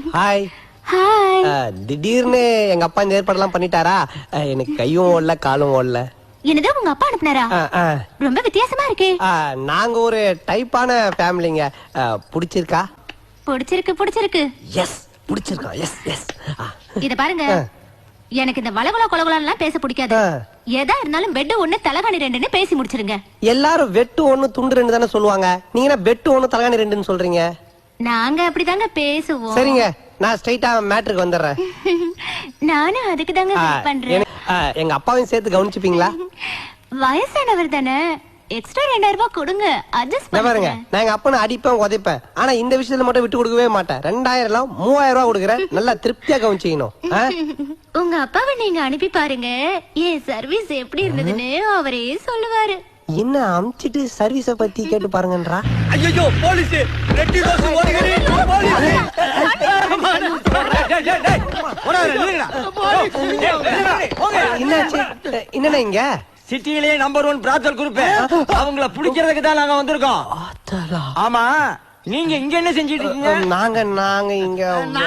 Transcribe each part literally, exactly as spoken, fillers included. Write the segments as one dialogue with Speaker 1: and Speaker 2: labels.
Speaker 1: Hi.
Speaker 2: Hi.
Speaker 1: திடீர்னு எங்க அப்பா இந்த ஏற்பாடெல்லாம் பண்ணிட்டாரா? எனக்கு கையும் ஓடல காலும் ஓடல.
Speaker 2: என்னது உங்க அப்பா அனுப்புனாரா? ரொம்ப வித்தியாசமா இருக்கே.
Speaker 1: நாங்க ஒரு டைப்பான ஃபேமிலிங்க. பிடிச்சிருக்கா?
Speaker 2: பிடிச்சிருக்கு பிடிச்சிருக்கு.
Speaker 1: எஸ் பிடிச்சிருக்கா. Yes yes.
Speaker 2: இத பாருங்க, எனக்கு இந்த வளகுல கொலகுலாம் பேச பிடிக்காது. எதா இருந்தாலும் பெட் ஒண்ணு தலகாணி ரெண்டுன்னு பேசி முடிச்சிருங்க.
Speaker 1: எல்லாரும் வெட்டு ஒண்ணு துண்டு ரெண்டு தானே சொல்லுவாங்க, நீங்க என்ன பெட்டு ஒண்ணு தலகாணி ரெண்டுன்னு சொல்றீங்க?
Speaker 2: நாங்க அப்படிதாங்க பேசுவோம்.
Speaker 1: சரிங்க, நான் ஸ்ட்ரைட்டா மேட்டருக்கு வந்துடுறேன்.
Speaker 2: நானும் அதுக்கு தாங்க வெயிட் பண்றேன்.
Speaker 1: எங்க அப்பாவையும் சேர்த்து கவனிச்சுப்பீங்களா?
Speaker 2: வயசானவர் தானே, எக்ஸ்ட்ரா ரெண்டாயிரம் ரூபாய் கொடுங்க, அட்ஜஸ்ட் பண்ணுங்க.
Speaker 1: நான் எங்க அப்பனை அடிப்பேன் உதைப்பேன், ஆனா இந்த விஷயத்துல மட்டும் விட்டு கொடுக்கவே மாட்டேன். ரெண்டாயிரம் எல்லாம் மூவாயிரம் ரூபாய் கொடுக்குறேன், நல்லா திருப்தியா கவனிச்சிக்கணும்.
Speaker 2: உங்க அப்பாவை நீங்க அனுப்பி பாருங்க, என் சர்வீஸ் எப்படி இருந்ததுன்னு அவரே சொல்லுவாரு.
Speaker 1: என்ன அமிச்சிட்டு சர்வீஸ பத்தி கேட்டு பாருங்கன்றா.
Speaker 3: ஐயோ போலீஸ், ரெட்டி ரோஸ் ஓடுகிறே போலீஸ். டேய் டேய் டேய் ஓடா நில்லுடா.
Speaker 1: என்னாச்சு? என்னண்ணா இங்க
Speaker 3: சிட்டியிலே நம்பர் ஒன் பிராத்தல் குரூப், அவங்கள புடிக்கிறதுக்கு தான் நாங்க வந்திருக்கோம். ஆமா, நீங்க இங்க என்ன செஞ்சிட்டு இருக்கீங்க?
Speaker 1: நாங்க நாங்க இங்க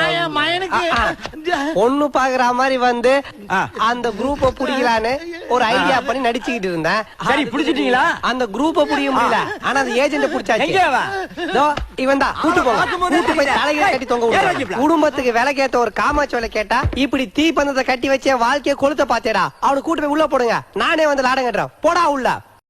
Speaker 1: பொண்ணு பாக்குற மாதிரி வந்து அந்த குரூப்ப புடிக்கலான்னு ஒரு ஐடியா பண்ணி நடிச்சுக்கிட்டு இருந்தேன்.
Speaker 3: சரி புடிச்சிட்டீங்களா?
Speaker 1: அந்த குரூப்ப புடிக்க முடியல, ஆனா அந்த ஏஜென்ட் புடிச்சாச்சு. இவன் தான் கூட்டு போங்க, கூட்டு போய் தலையில கட்டி தொங்க விடு. குடும்பத்துக்கு விலை கேட்ட ஒரு காமாட்சி வேலை கேட்டா இப்படி தீ பந்தத்தை கட்டி வச்ச வாழ்க்கைய கொளுத்த பாத்தேடா. அவனை கூட்டு போய் உள்ள போடுங்க, நானே வந்து லாடம் கட்டுறேன். போடா உள்ள.